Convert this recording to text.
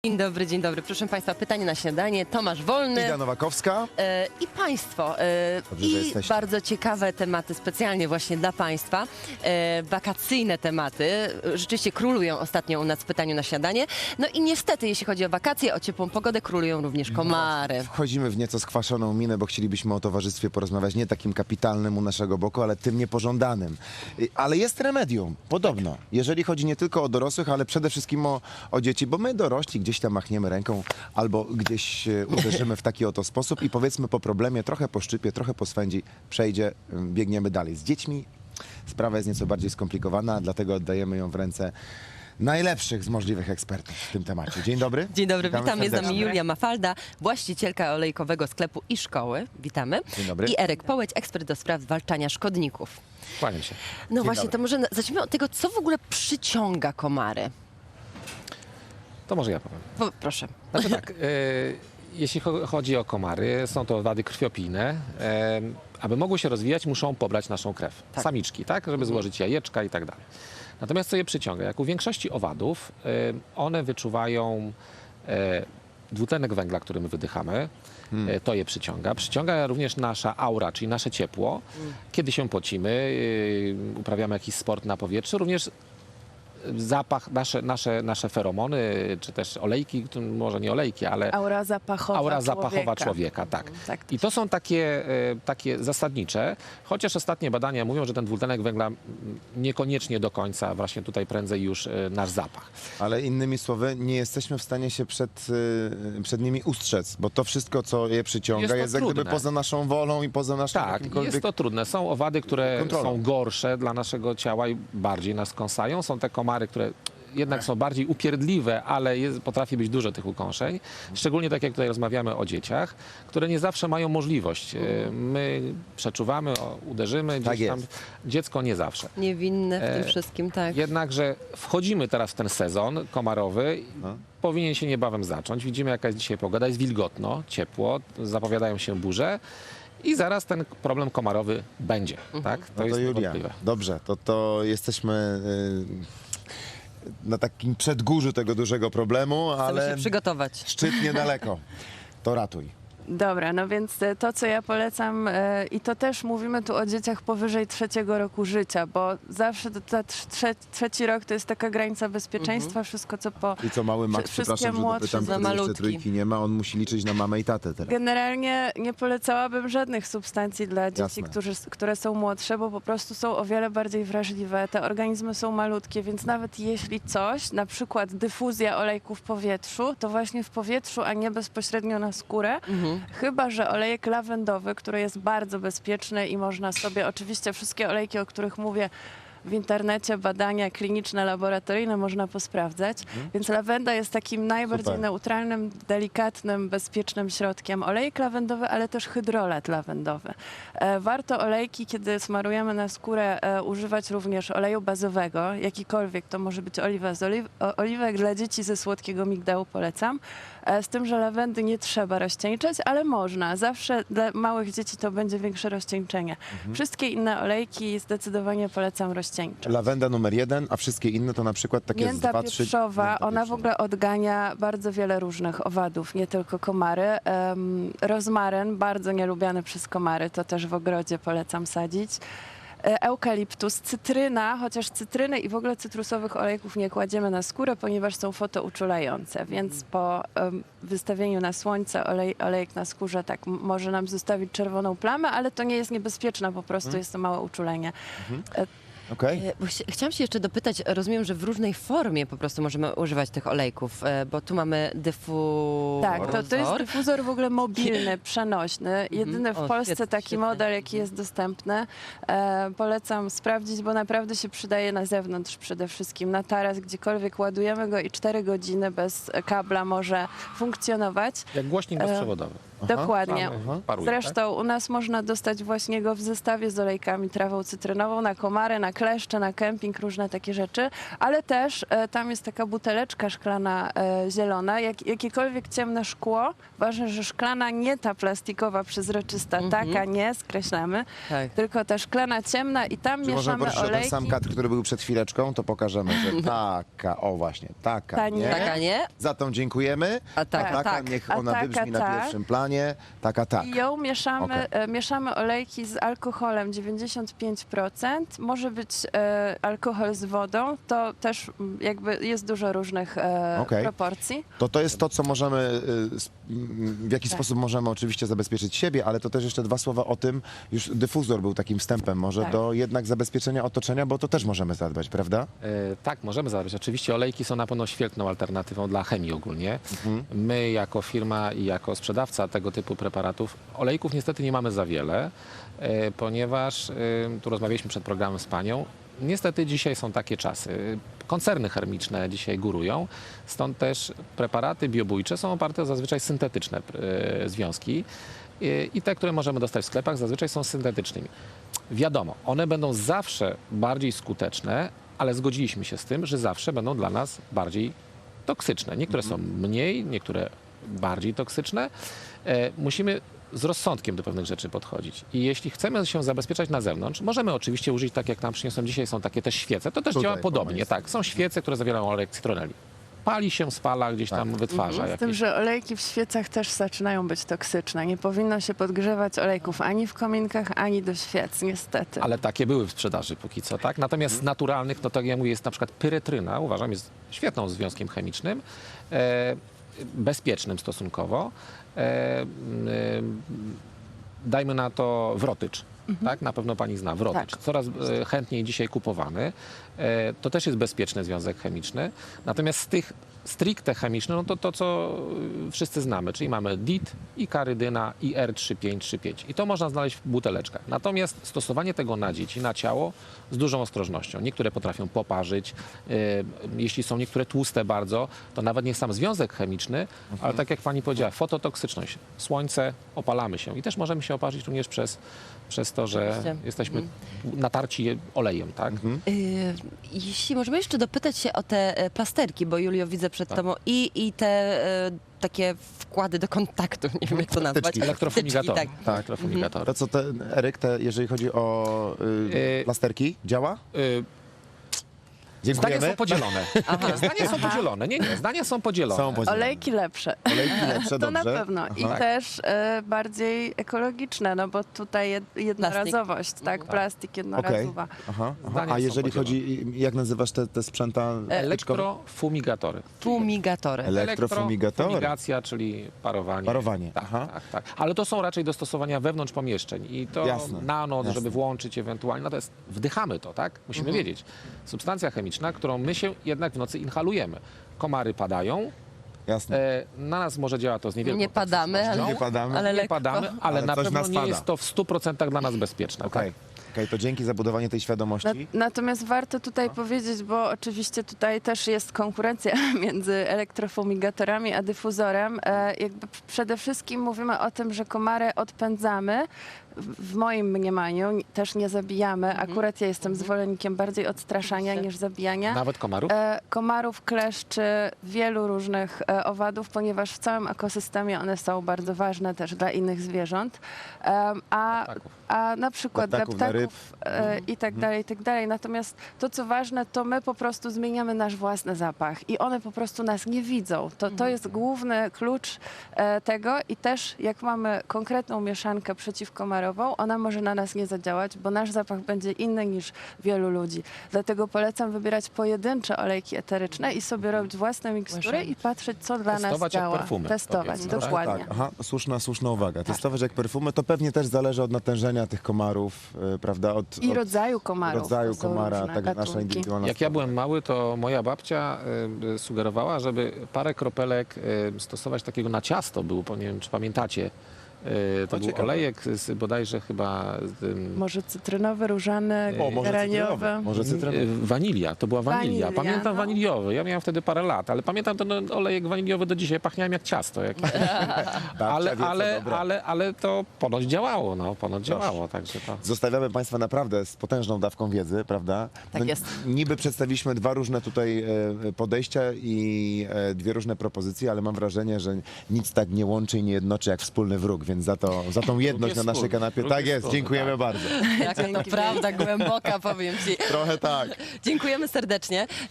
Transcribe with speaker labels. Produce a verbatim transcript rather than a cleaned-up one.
Speaker 1: Dzień dobry, dzień dobry. Proszę Państwa, pytanie na śniadanie. Tomasz Wolny.
Speaker 2: Iga Nowakowska.
Speaker 1: E, I Państwo. E,
Speaker 2: Dobrze, że
Speaker 1: I
Speaker 2: jesteście.
Speaker 1: bardzo ciekawe tematy specjalnie właśnie dla Państwa. E, wakacyjne tematy. Rzeczywiście królują ostatnio u nas w pytaniu na śniadanie. No i niestety, jeśli chodzi o wakacje, o ciepłą pogodę, królują również komary.
Speaker 2: Wchodzimy w nieco skwaszoną minę, bo chcielibyśmy o towarzystwie porozmawiać nie takim kapitalnym u naszego boku, ale tym niepożądanym. Y, Ale jest remedium, podobno. Jeżeli chodzi nie tylko o dorosłych, ale przede wszystkim o, o dzieci, bo my dorośli gdzieś tam machniemy ręką albo gdzieś e, uderzymy w taki oto sposób i powiedzmy po problemie, trochę po szczypie, trochę po swędzi, przejdzie, ym, biegniemy dalej. Z dziećmi sprawa jest nieco bardziej skomplikowana, dlatego oddajemy ją w ręce najlepszych z możliwych ekspertów w tym temacie. Dzień dobry.
Speaker 1: Dzień dobry,
Speaker 2: Witamy
Speaker 1: witam. Jest z nami
Speaker 2: serdecznie.
Speaker 1: Julia Mafalda, właścicielka olejkowego sklepu i szkoły. Witamy.
Speaker 2: Dzień dobry.
Speaker 1: I Erek Połeć, ekspert do spraw zwalczania szkodników.
Speaker 3: Kłaniam się.
Speaker 1: No
Speaker 2: Dzień
Speaker 1: właśnie,
Speaker 2: dobry.
Speaker 1: to może na- zacznijmy od tego, co w ogóle przyciąga komary.
Speaker 3: To może ja powiem.
Speaker 1: Po, proszę.
Speaker 3: Znaczy tak, e, jeśli cho- chodzi o komary, są to owady krwiopijne. E, aby mogły się rozwijać, muszą pobrać naszą krew.
Speaker 1: Tak.
Speaker 3: Samiczki, tak? Żeby złożyć jajeczka i tak dalej. Natomiast co je przyciąga? Jak u większości owadów, e, one wyczuwają e, dwutlenek węgla, który my wydychamy. E, to je przyciąga. Przyciąga również nasza aura, czyli nasze ciepło. Kiedy się pocimy, e, uprawiamy jakiś sport na powietrzu, również zapach, nasze, nasze, nasze feromony, czy też olejki, to może nie olejki, ale
Speaker 4: Aura zapachowa
Speaker 3: aura zapachowa
Speaker 4: człowieka.
Speaker 3: człowieka, tak.
Speaker 4: Tak, to
Speaker 3: I to są takie, e, takie zasadnicze, chociaż ostatnie badania mówią, że ten dwutlenek węgla mm, niekoniecznie do końca, właśnie tutaj prędzej już e, nasz zapach.
Speaker 2: Ale innymi słowy, nie jesteśmy w stanie się przed, y, przed nimi ustrzec, bo to wszystko, co je przyciąga,
Speaker 3: Jest
Speaker 2: jest,
Speaker 3: to
Speaker 2: jak gdyby
Speaker 3: trudne.
Speaker 2: poza naszą wolą i poza naszym
Speaker 3: Tak,
Speaker 2: jakimkolwiek...
Speaker 3: jest to trudne. Są owady, które
Speaker 2: kontrolą.
Speaker 3: są gorsze dla naszego ciała i bardziej nas kąsają. Są te komary, które jednak są bardziej upierdliwe, ale jest, potrafi być dużo tych ukąszeń. Szczególnie tak jak tutaj rozmawiamy o dzieciach, które nie zawsze mają możliwość. E, My przeczuwamy, o, uderzymy,
Speaker 2: Tak
Speaker 3: gdzieś tam,
Speaker 2: jest.
Speaker 3: dziecko nie zawsze.
Speaker 1: Niewinne w tym
Speaker 3: E,
Speaker 1: wszystkim, tak.
Speaker 3: Jednakże wchodzimy teraz w ten sezon komarowy.
Speaker 2: No.
Speaker 3: Powinien się niebawem zacząć. Widzimy, jaka jest dzisiaj pogoda. Jest wilgotno, ciepło, zapowiadają się burze. I zaraz ten problem komarowy będzie. Tak? To
Speaker 2: No to
Speaker 3: jest
Speaker 2: Julia,
Speaker 3: niewątpliwe.
Speaker 2: dobrze, to, to jesteśmy y, na takim przedgórzu tego dużego problemu,
Speaker 1: Chcemy
Speaker 2: ale
Speaker 1: się przygotować.
Speaker 2: szczyt niedaleko. To ratuj.
Speaker 4: Dobra, no więc e, to, co ja polecam, e, i to też mówimy tu o dzieciach powyżej trzeciego roku życia, bo zawsze to, ta trze, trzeci rok to jest taka granica bezpieczeństwa, wszystko co po...
Speaker 2: I co mały Max,
Speaker 4: Wszystkie
Speaker 2: przepraszam, że
Speaker 4: młodsze
Speaker 2: dopytam,
Speaker 1: za
Speaker 2: który jeszcze
Speaker 1: malutki.
Speaker 2: trójki nie ma, on musi liczyć na mamę i tatę teraz.
Speaker 4: Generalnie nie polecałabym żadnych substancji dla dzieci,
Speaker 2: Jasne.
Speaker 4: którzy, które są młodsze, bo po prostu są o wiele bardziej wrażliwe. Te organizmy są malutkie, więc nawet jeśli coś, na przykład dyfuzja olejku w powietrzu, to właśnie w powietrzu, a nie bezpośrednio na skórę.
Speaker 1: Mhm.
Speaker 4: Chyba że olejek lawendowy, który jest bardzo bezpieczny i można sobie, oczywiście wszystkie olejki, o których mówię w internecie, badania kliniczne, laboratoryjne można posprawdzać. Więc lawenda jest takim najbardziej
Speaker 2: Super.
Speaker 4: neutralnym, delikatnym, bezpiecznym środkiem. Olejek lawendowy, ale też hydrolat lawendowy. E, warto olejki, kiedy smarujemy na skórę, e, używać również oleju bazowego, jakikolwiek. To może być oliwa z oliw o, oliwek. Dla dzieci ze słodkiego migdału polecam. E, z tym, że lawendy nie trzeba rozcieńczać, ale można. Zawsze dla małych dzieci to będzie większe rozcieńczenie. Wszystkie inne olejki zdecydowanie polecam rozcieńczać.
Speaker 2: Lawenda numer jeden, a wszystkie inne to na przykład takie z
Speaker 4: Mięta
Speaker 2: dwa, trzy...
Speaker 4: pieprzowa,
Speaker 2: Mięta
Speaker 4: ona w
Speaker 2: pieprzowa.
Speaker 4: ogóle odgania bardzo wiele różnych owadów, nie tylko komary. Um, rozmaryn, bardzo nielubiany przez komary, to też w ogrodzie polecam sadzić. E, Eukaliptus, cytryna, chociaż cytryny i w ogóle cytrusowych olejków nie kładziemy na skórę, ponieważ są fotouczulające, więc po um, wystawieniu na słońce olej, olejek na skórze tak m- może nam zostawić czerwoną plamę, ale to nie jest niebezpieczne, po prostu jest to małe uczulenie. E,
Speaker 2: Okej.
Speaker 1: E, bo chci- Chciałam się jeszcze dopytać, rozumiem, że w różnej formie po prostu możemy używać tych olejków, e, bo tu mamy dyfuzor.
Speaker 4: Tak, to, to jest dyfuzor w ogóle mobilny, przenośny. Jedyny w
Speaker 1: O,
Speaker 4: Polsce
Speaker 1: świetnie,
Speaker 4: taki
Speaker 1: świetnie.
Speaker 4: model, jaki jest dostępny. E, polecam sprawdzić, bo naprawdę się przydaje na zewnątrz przede wszystkim. Na taras, gdziekolwiek ładujemy go i cztery godziny bez kabla może funkcjonować.
Speaker 3: Jak głośnik
Speaker 4: E,
Speaker 3: bezprzewodowy.
Speaker 4: Dokładnie.
Speaker 3: Mamy- paruje, tak?
Speaker 4: Zresztą u nas można dostać właśnie go w zestawie z olejkami, trawą cytrynową, na komary, na kleszcze, na kemping, różne takie rzeczy, ale też e, tam jest taka buteleczka szklana e, zielona, jak, jakiekolwiek ciemne szkło, ważne, że szklana, nie ta plastikowa, przezroczysta, taka nie, skreślamy,
Speaker 1: Tak.
Speaker 4: tylko ta szklana ciemna i tam
Speaker 2: Czy możemy
Speaker 4: mieszamy
Speaker 2: prosić o ten
Speaker 4: olejki.
Speaker 2: sam kadr, który był przed chwileczką, to pokażemy, że taka, o właśnie, taka,
Speaker 4: Ta
Speaker 2: nie.
Speaker 4: nie.
Speaker 1: Taka nie?
Speaker 2: Za tą dziękujemy.
Speaker 1: A tak,
Speaker 2: A taka,
Speaker 4: tak.
Speaker 2: niech
Speaker 4: A
Speaker 2: ona
Speaker 4: taka
Speaker 2: wybrzmi na
Speaker 4: tak.
Speaker 2: pierwszym planie. Taka, tak.
Speaker 4: I ją mieszamy,
Speaker 2: Okej.
Speaker 4: e, mieszamy olejki z alkoholem dziewięćdziesiąt pięć procent. Może być e, alkohol z wodą. To też mm, jakby jest dużo różnych e,
Speaker 2: Okej.
Speaker 4: proporcji.
Speaker 2: To to jest to, co możemy, y, s- m, w jaki
Speaker 4: Tak.
Speaker 2: sposób możemy oczywiście zabezpieczyć siebie, ale to też jeszcze dwa słowa o tym, już dyfuzor był takim wstępem może
Speaker 4: Tak.
Speaker 2: do jednak zabezpieczenia otoczenia, bo to też możemy zadbać, prawda?
Speaker 3: E, tak, możemy zadbać. Oczywiście olejki są na pewno świetną alternatywą dla chemii ogólnie. My jako firma i jako sprzedawca tego typu preparatów, olejków niestety nie mamy za wiele, e, ponieważ, e, tu rozmawialiśmy przed programem z panią, niestety dzisiaj są takie czasy. Koncerny chemiczne dzisiaj górują, stąd też preparaty biobójcze są oparte o zazwyczaj syntetyczne e, związki e, i te, które możemy dostać w sklepach, zazwyczaj są syntetycznymi. Wiadomo, one będą zawsze bardziej skuteczne, ale zgodziliśmy się z tym, że zawsze będą dla nas bardziej toksyczne. Niektóre są mniej, niektóre bardziej toksyczne. E, musimy z rozsądkiem do pewnych rzeczy podchodzić. I jeśli chcemy się zabezpieczać na zewnątrz, możemy oczywiście użyć, tak jak nam przyniosłem dzisiaj, są takie też świece. To też
Speaker 2: Tutaj
Speaker 3: działa
Speaker 2: po
Speaker 3: podobnie.
Speaker 2: mojej
Speaker 3: Tak, są świece, które zawierają olej cytroneli. Pali się, spala, gdzieś tam wytwarza
Speaker 4: Z tym,
Speaker 3: jakieś...
Speaker 4: że olejki w świecach też zaczynają być toksyczne. Nie powinno się podgrzewać olejków ani w kominkach, ani do świec, niestety.
Speaker 3: Ale takie były w sprzedaży póki co, tak? Natomiast z naturalnych, no tak jak ja mówię, jest na przykład pyretryna, uważam, jest świetną związkiem chemicznym, e, bezpiecznym stosunkowo. E, e, dajmy na to wrotycz. Tak, na pewno pani zna wrotycz.
Speaker 4: Tak.
Speaker 3: Coraz e, chętniej dzisiaj kupowany. E, to też jest bezpieczny związek chemiczny. Natomiast z tych stricte chemicznych, no to to, co y, wszyscy znamy, czyli mamy D I T, i karydyna, i R trzy pięć trzy pięć. I to można znaleźć w buteleczkach. Natomiast stosowanie tego na dzieci, na ciało z dużą ostrożnością. Niektóre potrafią poparzyć. Y, jeśli są niektóre tłuste bardzo, to nawet nie sam związek chemiczny, ale tak jak pani powiedziała, fototoksyczność. Słońce, opalamy się. I też możemy się oparzyć również przez, przez to, że
Speaker 1: Oczywiście.
Speaker 3: jesteśmy natarci olejem, tak?
Speaker 1: Y, Jeśli możemy jeszcze dopytać się o te e, plasterki, bo Julio widzę przed
Speaker 3: Tak.
Speaker 1: tobą i, i te e, takie wkłady do kontaktu, nie wiem jak to nazwać.
Speaker 2: Wtyczki.
Speaker 3: Elektrofumigatory.
Speaker 1: Tak.
Speaker 2: Tak.
Speaker 3: Elektrofumigatory.
Speaker 2: To co, te, Eryk, te, jeżeli chodzi o y,
Speaker 3: Y,
Speaker 2: plasterki, działa?
Speaker 3: Y, Zdania
Speaker 2: Dziękujemy.
Speaker 3: są podzielone. Nie, zdania są podzielone. Nie, nie, zdania są podzielone.
Speaker 2: Są podzielone.
Speaker 4: Olejki lepsze.
Speaker 2: Olejki lepsze,
Speaker 4: To
Speaker 2: dobrze.
Speaker 4: na pewno. I
Speaker 2: Aha.
Speaker 4: też e, bardziej ekologiczne, no bo tutaj jed, jednorazowość, tak? Plastik
Speaker 2: Okej.
Speaker 4: jednorazowa.
Speaker 2: Aha, aha.
Speaker 3: Zdania
Speaker 2: A
Speaker 3: są
Speaker 2: jeżeli
Speaker 3: podzielone.
Speaker 2: chodzi, jak nazywasz te, te sprzęta?
Speaker 3: Elektrofumigatory.
Speaker 1: Fumigatory.
Speaker 2: Elektrofumigatory.
Speaker 3: Elektrofumigacja, czyli parowanie.
Speaker 2: Parowanie,
Speaker 3: Tak,
Speaker 2: aha.
Speaker 3: tak, tak. Ale to są raczej do stosowania wewnątrz pomieszczeń. I to
Speaker 2: Jasne,
Speaker 3: na noc,
Speaker 2: jasne.
Speaker 3: żeby włączyć ewentualnie. Natomiast wdychamy to, tak? Musimy wiedzieć. Substancja chemiczna, którą my się jednak w nocy inhalujemy. Komary padają.
Speaker 2: Jasne.
Speaker 3: E, na nas może działa to z niewielką
Speaker 1: Nie padamy,
Speaker 3: toksycznością.
Speaker 1: ale,
Speaker 2: Nie padamy.
Speaker 1: ale
Speaker 3: Nie
Speaker 1: lekko.
Speaker 3: padamy, ale,
Speaker 2: Ale
Speaker 3: na
Speaker 2: coś
Speaker 3: pewno
Speaker 2: nas
Speaker 3: nie
Speaker 2: pada.
Speaker 3: jest to w stu procentach dla nas bezpieczne.
Speaker 2: Okej,
Speaker 3: Tak?
Speaker 2: Okej, to dzięki za budowanie tej
Speaker 4: Na,
Speaker 2: świadomości.
Speaker 4: natomiast warto tutaj powiedzieć, bo oczywiście tutaj też jest konkurencja między elektrofumigatorami a dyfuzorem. E, jakby p- przede wszystkim mówimy o tym, że komary odpędzamy. W w moim mniemaniu n- też nie zabijamy. Akurat ja jestem zwolennikiem bardziej odstraszania
Speaker 1: Oczywiście.
Speaker 4: niż zabijania.
Speaker 3: Nawet komarów?
Speaker 4: E, komarów, kleszczy, wielu różnych e, owadów, ponieważ w całym ekosystemie one są bardzo ważne też dla innych zwierząt. Em, a,
Speaker 3: Ptaków.
Speaker 4: a na przykład
Speaker 2: Dla
Speaker 4: dla
Speaker 2: ptaków, dla ryb.
Speaker 4: ptaków e, i tak dalej, i tak dalej. Natomiast to, co ważne, to my po prostu zmieniamy nasz własny zapach i one po prostu nas nie widzą. To, to jest główny klucz e, tego i też jak mamy konkretną mieszankę przeciwkomarową, ona może na nas nie zadziałać, bo nasz zapach będzie inny niż wielu ludzi. Dlatego polecam wybierać pojedyncze olejki eteryczne i sobie robić własne mikstury i patrzeć, co dla nas
Speaker 3: Testować jak
Speaker 4: działa.
Speaker 3: perfumy,
Speaker 4: Testować,
Speaker 3: powiedzmy, tak?
Speaker 4: dokładnie.
Speaker 2: Tak, aha, słuszna, słuszna uwaga. Testować jak perfumy, to pewnie też zależy od natężenia tych komarów, y, prawda? Od,
Speaker 4: I
Speaker 2: od
Speaker 4: rodzaju komarów.
Speaker 2: rodzaju
Speaker 4: to są
Speaker 2: komara,
Speaker 4: różne
Speaker 2: tak nasza
Speaker 4: gatunki.
Speaker 2: indywidualna
Speaker 3: Jak ja
Speaker 2: sprawa.
Speaker 3: byłem mały, to moja babcia y, sugerowała, żeby parę kropelek y, stosować takiego na ciasto, było, nie wiem czy pamiętacie, E, To
Speaker 2: O,
Speaker 3: był
Speaker 2: ciekawe.
Speaker 3: olejek z bodajże chyba ym,
Speaker 4: Może cytrynowy, różany,
Speaker 2: O, może
Speaker 4: geraniowy.
Speaker 2: cytrynowy. Może cytrynowy.
Speaker 3: e, wanilia. To była wanilia.
Speaker 4: Wanilia,
Speaker 3: Pamiętam
Speaker 4: no.
Speaker 3: waniliowy. Ja miałem wtedy parę lat, ale pamiętam ten olejek waniliowy do dzisiaj. Pachniałem jak ciasto. Jak...
Speaker 2: Babcia
Speaker 3: ale,
Speaker 2: wie, co
Speaker 3: ale,
Speaker 2: dobre.
Speaker 3: ale, ale to ponoć działało. No, ponoć działało. Także to...
Speaker 2: Zostawiamy Państwa naprawdę z potężną dawką wiedzy, prawda?
Speaker 1: Tak jest.
Speaker 2: Niby przedstawiliśmy dwa różne tutaj e, podejścia i e, dwie różne propozycje, ale mam wrażenie, że nic tak nie łączy i nie jednoczy jak wspólny wróg, więc za, to, za tą jedność na
Speaker 3: jest
Speaker 2: naszej
Speaker 3: wspólny,
Speaker 2: kanapie,
Speaker 3: wróg
Speaker 2: tak
Speaker 3: jest
Speaker 2: jest,
Speaker 3: wspólny,
Speaker 2: dziękujemy
Speaker 3: tak.
Speaker 2: bardzo.
Speaker 1: Jaka to prawda głęboka, powiem ci.
Speaker 2: Trochę tak.
Speaker 1: Dziękujemy serdecznie.